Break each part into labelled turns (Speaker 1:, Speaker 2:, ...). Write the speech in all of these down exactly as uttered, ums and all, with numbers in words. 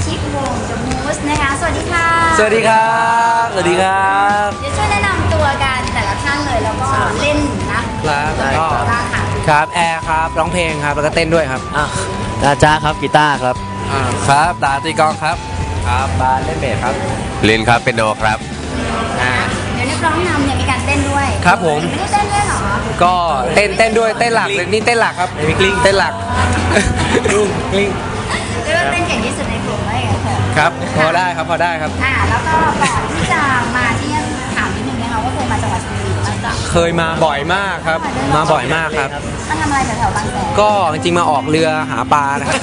Speaker 1: ชิกวง The Moose นะคะสวัสดีค่ะ
Speaker 2: สวัสดีครับสวัสดีครับ
Speaker 1: เดี๋ยวช่วยแนะนำตัวกันแต่ละท่านเลยแล้วก็เล่นนะครับก็
Speaker 2: ครับแอร์ครับร้องเพลงครับแล้วก็เต้นด้วยครับ
Speaker 3: อ่ะตาจ้าครับกีตาร์ครับ
Speaker 2: อ่าครับตาตีกองครับครับบาสเล่นเบสครับ
Speaker 4: ลินครับเป็นโนครับ
Speaker 1: อ่าเดี๋ยวนักร้องนำเนี่ยมีการเต้นด้วย
Speaker 2: ครับผม
Speaker 1: ไม่ได้เต้นด้วยหรอ
Speaker 2: ก็เต้นเต้นด้วยเต้นหลักเลยนี่เต้นหลักครับ
Speaker 3: มีกลิ้ง
Speaker 2: เต้นหลักกลิ้งกลิ้ง
Speaker 1: เรียกว่าเต้นเก่งที่สุดในกลุ่มเลยค่ะ
Speaker 2: ครับพอได้ครับพอได้ครับ
Speaker 1: อ่าแล้วก็ก่อนที่จะมาที่นี่ถามนิดนึงนะคะว่าเคยมาจังหวัดชลบุรีไหมจ๊ะ
Speaker 2: เคยมาบ่อยมากครับมาบ่อยมากครับ
Speaker 1: มาทำอะไรแถวๆบางแสน
Speaker 2: ก็จริงๆมาออกเรือหาปลานะครับ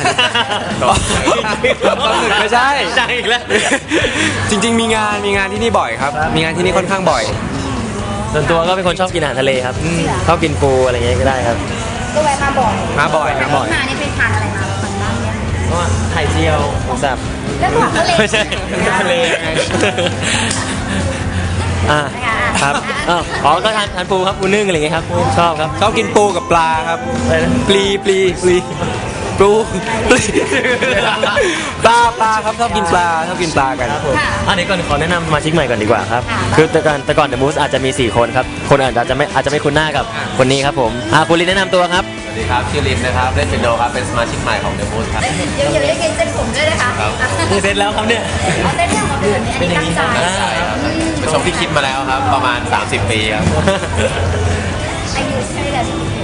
Speaker 2: ไม่ใช่
Speaker 3: ใช่อีกแล้ว
Speaker 2: จริงๆมีงานมีงานที่นี่บ่อยครับมีงานที่นี่ค่อนข้างบ่อย
Speaker 3: ส่วนตัวก็เป็นคนชอบกินอาหารทะเลครับชอบกินปูอะไรเงี้ยก็ได้ครับ
Speaker 1: ก็แวะมาบ่อย
Speaker 2: มาบ่อยมาบ่อย
Speaker 1: มานี่ไปทานอะไรมาบ้างเนี่ย
Speaker 3: ก็ไข่เจียวหมูสับ
Speaker 1: แล้วผักทะเล
Speaker 3: ไม่ใช่ทะเลอ่าครับอ๋อก็ทานทานปูครับปูนึ่งอะไรเงี้ยครับชอบครับ
Speaker 2: ชอบกินปูกับปลาครับปลีปลีปลีปูปลีปลาปลาครับชอบกินปลาชอบกินปลากัน
Speaker 3: ครับผมอันนี้ก่อนขอแนะนำสมาชิกใหม่ก่อนดีกว่าครับคือแต่ก่อนแต่ก่อนเดอะมูสอาจจะมีสี่คนครับคนอาจจะไม่อาจจะไม่คุ้นหน้ากับคนนี้ครับผมอ่าคุณลินแนะนำตัวครับ
Speaker 4: สวัสดีครับชื่อลินนะครับเล่นเป็นโนครับเป็นสมาชิกใหม่ของเดอะมูสครับ
Speaker 1: เดี๋ยวเดี๋ยวได้กินเส้นผมด้วยนะคะ
Speaker 3: เสร็จแล้วครับเนี่ย
Speaker 1: เอาเส้นของคนอื่นอันนี้ตั้งใจ
Speaker 4: เป็นชมที่คิดมาแล้วครับประมาณสามสิบปีครับ
Speaker 1: อายุใช่เลย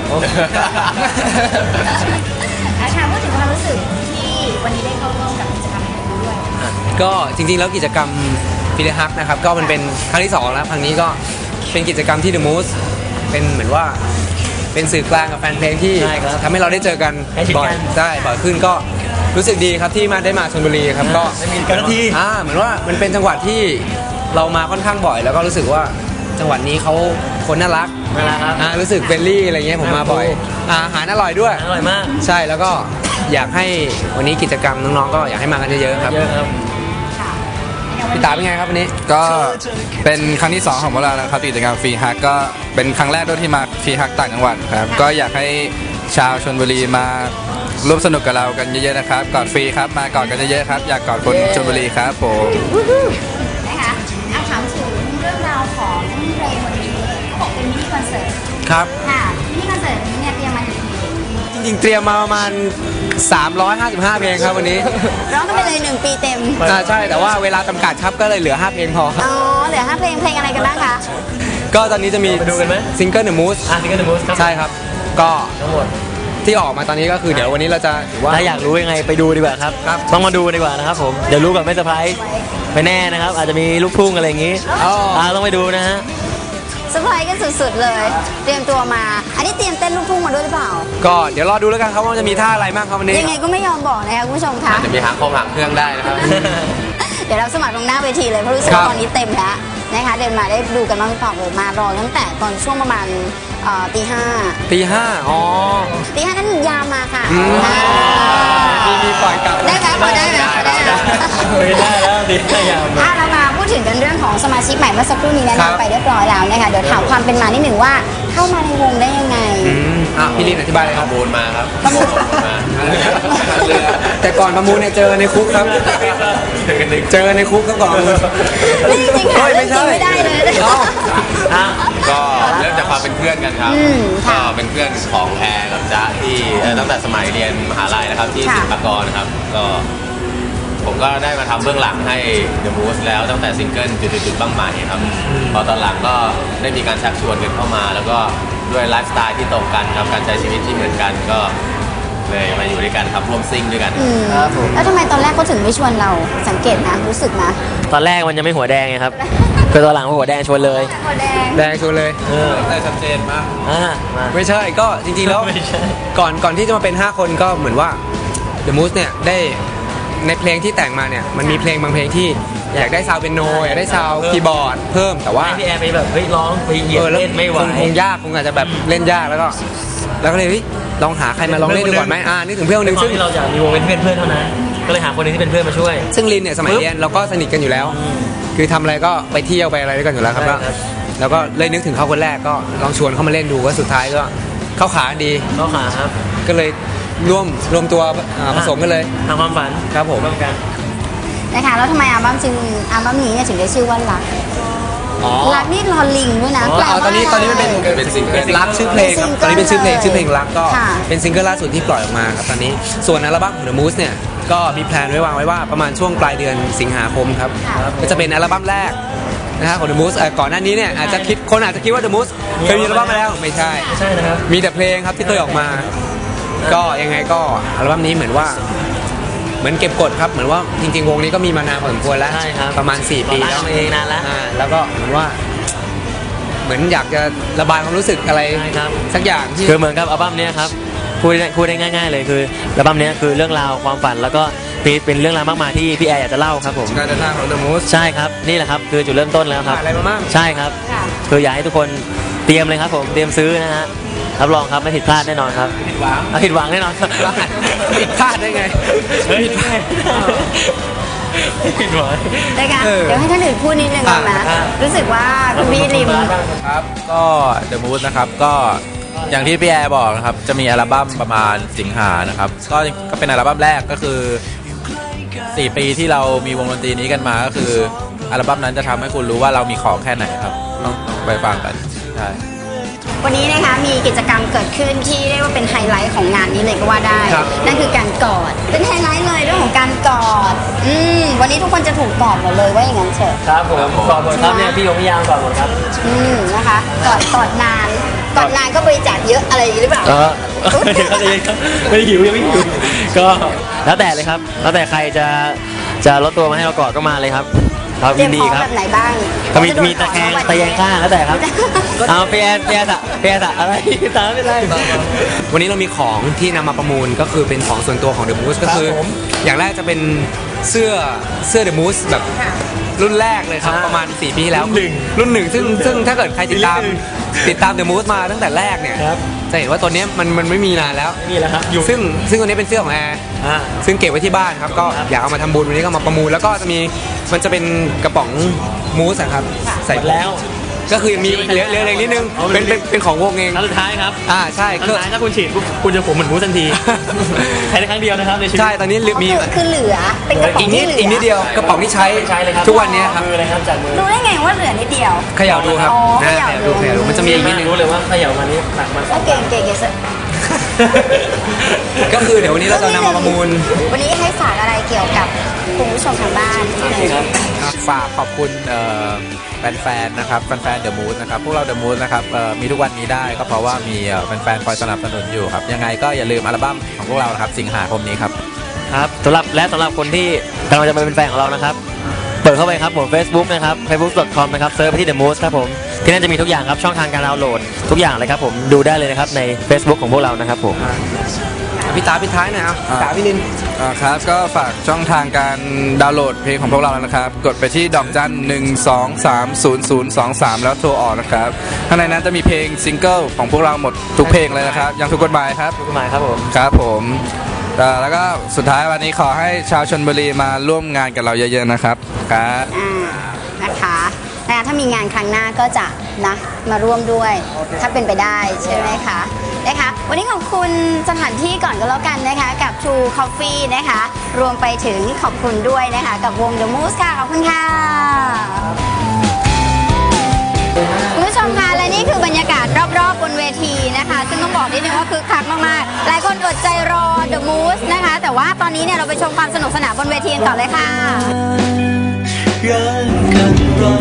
Speaker 1: อาชาพูดถึงความรู้สึกที่วันนี้ได้เข้าร่วมกับกิจกรรมนี้ด้วย
Speaker 2: ก็จริงๆแล้วกิจกรรมฟิลฮักนะครับก็มันเป็นครั้งที่สองแล้วครั้งนี้ก็เป็นกิจกรรมที่ The Moose เป็นเหมือนว่าเป็นสื่อกลางกับแฟนเพลงที่ทำให้เราได้เจอกันบ่อยได้บ่อยขึ้นก็รู้สึกดีครับที่มาได้มาชลบุรีครับก็
Speaker 3: กันที
Speaker 2: อ่าเหมือนว่ามันเป็นจังหวัดที่เรามาค่อนข้างบ่อยแล้วก็รู้สึกว่าจังหวัดนี้เขาคนน่ารัก
Speaker 3: น่ารักครับ
Speaker 2: อ่ารู้สึกเฟรนลี่อะไรเงี้ยผมมาบ่อยอาหารอร่อยด้วย
Speaker 3: อร่อยมาก
Speaker 2: ใช่แล้วก็อยากให้วันนี้กิจกรรมน้องๆก็อยากให้มากันเยอะๆครับพี่ตาเป็นไงครับวันนี้
Speaker 5: ก็เป็นครั้งที่สองของพวกเรานะครับกิจกรรมฟรีฮักก็เป็นครั้งแรกด้วยที่มาฟรีฮักต่างจังหวัดครับก็อยากให้ชาวชลบุรีมาร่วมสนุกกับเรากันเยอะๆนะครับกอดฟรีครับมากอดกันเยอะๆครับอยากกอดคนชลบุรีครับผม
Speaker 1: นะคะเอาถามถึงเรื่องราวของเพลงวันนี้เขาบอกเป็นมินิคอนเสิร์ต
Speaker 2: ครับ
Speaker 1: ค่ะมินิคอนเสิร์ตนี้เนี่ยเตรียมมากี่เพลง
Speaker 2: จริงๆเตรียมมาประมาณสามร้อยห้าสิบห้าเพลงครับวันนี้
Speaker 1: ร้องกันไปเลยหนึ่งปีเต็ม
Speaker 2: อ่าใช่แต่ว่าเวลาจำกัดครับก็เลยเหลือห้าเพลงพอ
Speaker 1: อ๋อเหลือห้าเพลงเพลงอะไรกันบ้างคะ
Speaker 2: ก็ตอนนี้จะมี
Speaker 3: ดูกันไหม
Speaker 2: ซิงเกิล The Moose
Speaker 3: อ่ะซิงเกิล The Moose ครับ
Speaker 2: ใช่ครับก็
Speaker 3: ทั้งหมด
Speaker 2: ที่ออกมาตอนนี้ก็คือเดี๋ยววันนี้เราจะ
Speaker 3: ว่าถ้าอยากรู้ยังไงไปดูดีกว่าครับต้องมาดูดีกว่านะครับผมเดี๋ยวรู้แบบไม่เซอร์ไพรส์ไม่แน่นะครับอาจจะมีลูกทุ่งอะไรอย่างงี้อ่าต้องไปดูนะฮะ
Speaker 1: เซอร์ไพรส์กันสุดๆเลยเตรียมตัวมาอันนี้เตรียมเต้นลูกทุ่งมาด้วยหรือเปล่า
Speaker 2: ก็เดี๋ยวรอดูแล้วกันครับว่าจะมีท่าอะไรบ้างครับวันนี้
Speaker 1: ยังไงก็ไม่ยอมบอกนะคะคุณผู้ชมคะ
Speaker 4: จะมีหางคงหางเครื่องได้นะครับ
Speaker 1: เดี๋ยวเราสมัครตรงหน้าเวทีเลยเพราะรู้สึกว่าตอนนี้เต็มแล้วนะคะเดินมาได้ดูกันบ้างหรือเปล่าเลยมารอตั้งแต่ตอนช่วงประมาณตีห้า
Speaker 2: ตีห้าอ๋อ
Speaker 1: ตีห้านั้นยามมาค่ะ
Speaker 2: มีมีปล่อยกลับ
Speaker 1: ได้ไหมพอได้ไหมพอได้ไหม
Speaker 3: ไม่ได้แล้วตีห้ายาม
Speaker 1: อ่ะเรามาพูดถึงกันเรื่องของสมาชิกใหม่เมื่อสักครู่นี้แนะนำไปเรียบร้อยแล้วนะคะเดี๋ยวถามความเป็นมานิดหนึ่งว่าเข้ามาในวงได้ยังไง
Speaker 2: อ่ะพี่ลินอธิบายเลยครับ
Speaker 4: ประมูลมาครับ
Speaker 1: ประมูล
Speaker 4: มา
Speaker 2: แต่ก่อนประมูลเนี่ยเจอในคุกครับเจอในคุกก็ก่อน
Speaker 1: จริงๆค่ะไม่ใช่ไม่ได้เลย
Speaker 4: ก็เริ่มจากความเป็นเพื่อนกันครับก็เป็นเพื่อนของแพรกับจ๊ะที่ตั้งแต่สมัยเรียนมหาลัยนะครับที่ศิลปากรนะครับก็ผมก็ได้มาทำเบื้องหลังให้ The Moose แล้วตั้งแต่ซิงเกิลจุดๆบ้างใหม่ครับพอตอนหลังก็ได้มีการชักชวนกันเข้ามาแล้วก็ด้วยไลฟ์สไตล์ที่ตรงกันครับการใช้ชีวิตที่เหมือนกันก็เลยมาอยู่ด้วยกันครับร่วมซิ่งด้วยกัน
Speaker 1: ครับผมแล้วทำไมตอนแรกเขาถึงไม่ชวนเราสังเกตนะรู้สึกนะ
Speaker 3: ตอนแรกมันยังไม่หัวแดงไงครับคือตอนหลังหัวแดงชวนเลย
Speaker 1: หัวแดง
Speaker 2: แดงชวนเลย
Speaker 3: เออ
Speaker 4: ได้ชัดเจนมาก
Speaker 3: อ่า
Speaker 2: ไม่ใช่ก็จริงๆแล้วก่อนก่อนที่จะมาเป็นห้าคนก็เหมือนว่า The Moose เนี่ยได้ในเพลงที่แต่งมาเนี่ยมันมีเพลงบางเพลงที่อยากได้ซาวด์เปียโนอยากได้ซาวด์คีย์บอร์ดเพิ่มแต่ว่า
Speaker 3: พี่แอร์ไปแบบเฮ้ยร้องไปเหยียบเล่นไม่ไหว
Speaker 2: คงยากคงอาจจะแบบเล่นยากแล้วก็แล้วก็เลยลองหาใครมาลองเล่นดูก่อนไหมอ่านึกถึงเพื่อนคนนึงซึ่ง
Speaker 3: ที่เราอยากมีวงเป็นเพื่อนเพื่อนเท่านั้นก็เลยหาคนนึงที่เป็นเพื่อนมาช่วย
Speaker 2: ซึ่งลินเนี่ยสมัยเรียนเราก็สนิทกันอยู่แล้วคือทำอะไรก็ไปเที่ยวไปอะไรด้วยกันอยู่แล้วครับแล้วก็เลยนึกถึงเขาคนแรกก็ลองชวนเขามาเล่นดูก็สุดท้ายก็เข้าขาดี
Speaker 3: เข้าขาครับ
Speaker 2: ก็เลยร่วมรวมตัวผสมกันเลย
Speaker 3: ทำความฝัน
Speaker 2: ครับผม
Speaker 3: ร่วมกัน
Speaker 1: นะคะแล้วทำไมอัลบั้มจึงอัลบั้มนี้เนี่ยถึงได้ชื่อว่ารักรักนี่รอลิงด้วยนะแปลว่า
Speaker 2: ตอนนี้ตอนนี้มันเป็น
Speaker 4: เป็นซิงเกิล
Speaker 2: รักชื่อเพลงครับตอนนี้เป็นชื่อเพลงชื่อเพลงรักก็
Speaker 1: ค่ะ
Speaker 2: เป็นซิงเกิลล่าสุดที่ปล่อยออกมาครับตอนนี้ส่วนอัลบั้มของ The Moose เนี่ยก็มีแพลนไว้วางไว้ว่าประมาณช่วงปลายเดือนสิงหาคมครับก็จะเป็นอัลบั้มแรกนะฮะของ The Moose เอ่อก่อนหน้านี้เนี่ยอาจจะคิดคนอาจจะคิดว่า The Moose เคยมีอัลบั้มมาแล้วไม่ใช่
Speaker 3: ใช่นะครับ
Speaker 2: มีแต่เพลงครับที่เคยออกมา ก็ยังไงก็อัลบั้มนี้เหมือนว่าเหมือนเก็บกดครับเหมือนว่าจริงๆวงนี้ก็มีมานานพอสมควรแล้ว
Speaker 3: ใช่ครับ
Speaker 2: ประมาณสี่ปีแล้ว
Speaker 3: เองนานแล้ว
Speaker 2: อ่าแล้วก็เหมือนว่า เหมือนอยากจะระบายความรู้สึกอะไร
Speaker 3: ใช่ครับ
Speaker 2: สักอย่างที่
Speaker 3: คือเหมือนกับอัลบั้มเนี้ยครับพูดได้พูดได้ง่ายๆเลยคืออัลบั้มเนี้ยคือเรื่องราวความฝันแล้วก็มีเป็นเรื่องราวมากมายที่พี่แอร์อยากจะเล่าครับผม
Speaker 2: การเดินทางของ The Moose
Speaker 3: ใช่ครับนี่แหละครับคือจุดเริ่มต้นแล้วครับ
Speaker 2: ผ่านอะไรมาบ้าง
Speaker 3: ใช่ครับ
Speaker 1: ค่ะ
Speaker 3: คืออยากให้ทุกคนเตรียมเลยครับผมเตรียมซื้อนะฮะรับรองครับไม่ผิดพลาดแน่นอนครับ
Speaker 2: ผิดหวัง
Speaker 3: อ่ะผิดหวังแน่นอนครับ
Speaker 2: ผิดพลาดได้ไง
Speaker 3: ผิดพลาดผิดหวัง
Speaker 1: นะคะ
Speaker 2: เออ
Speaker 1: เดี๋ยวให้ท่านอื่นพูดนิดนึงก่อนนะ
Speaker 3: อ่ะ
Speaker 1: รู้สึกว่าคุณพี่ริม
Speaker 5: ครับก็ The Moose นะครับก็อย่างที่พี่แอร์บอกนะครับจะมีอัลบั้มประมาณสิงหานะครับก็ก็เป็นอัลบั้มแรกก็คือสี่ปีที่เรามีวงดนตรีนี้กันมาก็คืออัลบั้มนั้นจะทำให้คุณรู้ว่าเรามีของแค่ไหนครับต้องต้องไปฟังกันใช่
Speaker 1: วันนี้นะคะมีกิจกรรมเกิดขึ้นที่เรียกว่าเป็นไฮไลท์ของงานนี้เลยก็ว่าได้
Speaker 2: ครับ
Speaker 1: นั่นคือการกอดเป็นไฮไลท์เลยเรื่องของการกอดอืมวันนี้ทุกคนจะถูกกอดหมดเลยว่าอย่างนั้นเถอะ
Speaker 3: ครับผมก่อนหมดครับเนี่ยพี่ยงพี่ยามก่อนหมดครับ
Speaker 1: อืมนะคะกอดกอดนานกอดนานก็บริจาคเยอะอะไรอย่างนี้หรือเปล่า
Speaker 3: เออเดี๋ยวเขาจะครับไม่ได้หิวยังไม่หิวก็แล้วแต่เลยครับ แล้วแต่ใครจะจะลดตัวมาให้เรากอดก็มาเลยครับเรา
Speaker 1: เตรี
Speaker 3: ยิ
Speaker 1: ยม
Speaker 3: นดี
Speaker 1: พร้อม
Speaker 3: ครับ
Speaker 1: แบบไหนบ้าง
Speaker 3: ก็มีมีตะแคงตะแยงข้างแล้วแต่ครับเอาเปียเปียสะเปียสะอะไรตามไม่ได้
Speaker 2: วันนี้เรามีของที่นำมาประมูลก็คือเป็นของส่วนตัวของ The Moose ก็คือ
Speaker 3: ครับผม
Speaker 2: อย่างแรกจะเป็นเสื้อเสื้อ The Moose แบบรุ่นแรกเลยครับ
Speaker 3: อ่า
Speaker 2: ประมาณสี่ปีที่แล้ว
Speaker 3: รุ่นหนึ่ง
Speaker 2: รุ่นหนึ่งซึ่งซึ่งถ้าเกิดใครติดตาม
Speaker 3: รุ่นหนึ่ง
Speaker 2: ติดตาม The Moose มาตั้งแต่แรกเนี่ย
Speaker 3: ครับ
Speaker 2: จะเห็นว่าตัวเนี้ยมันมันไม่มีนานแล้ว
Speaker 3: นี่แหละครับอยู่
Speaker 2: ซึ่งซึ่งตัวนี้เป็นเสื้อของแอร์
Speaker 3: อ่า
Speaker 2: ซึ่งเก็บไว้ที่บ้านครับก็
Speaker 3: ครับ
Speaker 2: อยากเอามาทำบุญวันนี้ก็มาประมูลแล้วก็จะมีมันจะเป็นกระป๋องมูสอะครับใส่
Speaker 3: หมดแล้ว
Speaker 2: ก็คือยังมีเหลือเหลือเหลือนิดนึง
Speaker 3: เอาไป
Speaker 2: เป็นเป็นเป็นของวงเอง
Speaker 3: ครั้งสุดท้ายครับ
Speaker 2: อ่าใช่
Speaker 3: ครั้ง
Speaker 2: คื
Speaker 3: สุ
Speaker 2: อ
Speaker 3: ดท้ายถ้าคุณฉีดปุ๊บคุณจะผมเหมือนมูสทันทีใช้ได้ครั้งเดียวนะครับในชีวิต
Speaker 2: ใช่ตอนนี้เหลือมี
Speaker 1: คือคือเหลือเป็นกระป๋อ
Speaker 2: อี
Speaker 1: ง
Speaker 2: กนิ
Speaker 1: ที่
Speaker 2: ด
Speaker 1: เหลือ
Speaker 2: อีกนิดเดียวกระป๋องที่ใช้
Speaker 3: ใช้เลยครับ
Speaker 2: ทุกวันเนี้ยครับ
Speaker 3: มือเลยครับจากมือ
Speaker 1: รู้ได้ไงว่าเหลือนิดเดียว
Speaker 2: เขย่าดูครับ
Speaker 1: อ๋อ
Speaker 2: นะ
Speaker 1: เขย่า
Speaker 2: เขย่า
Speaker 1: ดู
Speaker 2: ดูเขย่าดูมันจะมีอีกนิดนึง
Speaker 3: รู้เลยว่าเขย่ามันนี้หนักมันส
Speaker 1: โอ
Speaker 3: อง
Speaker 1: เคเก่งเก่งเก่ง
Speaker 2: ก็คือเดี๋ยววันนี้เราจะนำมาประมูล
Speaker 1: วันนี้ให้ฝากอะไรเกี่ยวกับคุณผู้ชมทางบ้านที่หนึ่ง
Speaker 5: ฝากขอบคุณเอ่อแฟนๆนะครับแฟนๆ The Moose นะครับพวกเรา The Moose นะครับเอ่อมีทุกวันนี้ได้ก็เพราะว่ามีเอ่อแฟนๆคอยสนับสนุนอยู่ครับยังไงก็อย่าลืมอัลบั้มของพวกเรานะครับสิงหาคมนี้ครับ
Speaker 3: ครับสำหรับและสำหรับคนที่กำลังจะมาเป็นแฟนของเรานะครับ เปิดเข้าไปครับผม Facebook นะครับ เฟซบุ๊ก ดอท คอม นะครับเซิร์ชไปที่ The Moose ครับผมที่นั่นจะมีทุกอย่างครับช่องทางการดาวน์โหลดทุกอย่างเลยครับผมดูได้เลยนะครับใน Facebook ของพวกเรานะครับผม
Speaker 2: พี่ตาพี่ท้ายหน่อยเอาพี่ตาพี่ลิน
Speaker 5: อ่าครับก็ฝากช่องทางการดาวน์โหลดเพลงของพวกเราแล้วนะครับ กดไปที่ดอกจันหนึ่งสองสามศูนย์ศูนย์สองสามแล้วโทรออกนะครับข้างในนั้นจะมีเพลงซิงเกิลของพวกเราหมดทุกเพลงเลยนะครับยังถูกกฎหมายครับ
Speaker 3: ทุกหมายครับผม
Speaker 5: ครับผมอ่าแล้วก็สุดท้ายวันนี้ขอให้ชาวชลบุรีมาร่วมงานกับเราเยอะๆนะครับครับ
Speaker 1: อ่านะคะนะคะถ้ามีงานครั้งหน้าก็จะนะมาร่วมด้วยถ้าเป็นไปได้ใช่ไหมคะนะคะวันนี้ขอบคุณสถานที่ก่อนก็แล้วกันนะคะกับ True Coffee นะคะรวมไปถึงขอบคุณด้วยนะคะกับวง The Moose ค่ะขอบคุณค่ะคุณผู้ชมคะและนี่คือบรรยากาศรอบๆบนเวทีนะคะซึ่งต้องบอกนิดนึงว่าคึกคักมากๆหลายคนอดใจรอ The Moose นะคะแต่ว่าตอนนี้เนี่ยเราไปชมความสนุกสนานบนเวทีกันก่อนเลยค่ะ
Speaker 6: รักกันรอ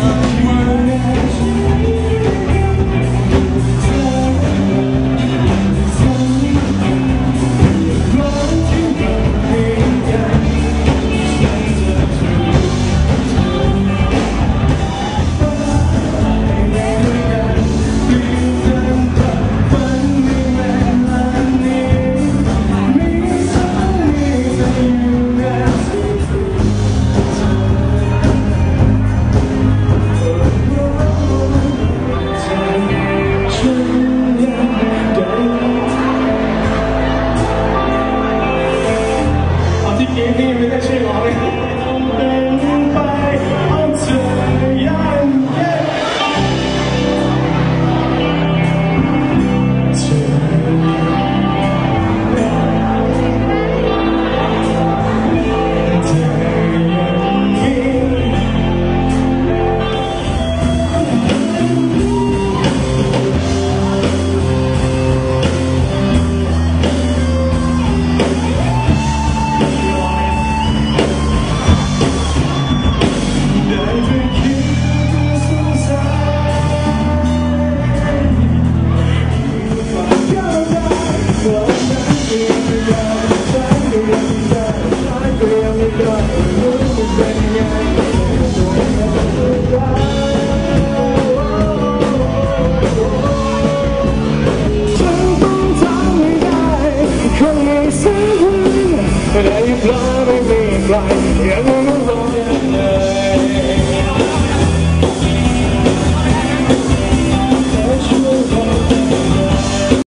Speaker 3: เหลือ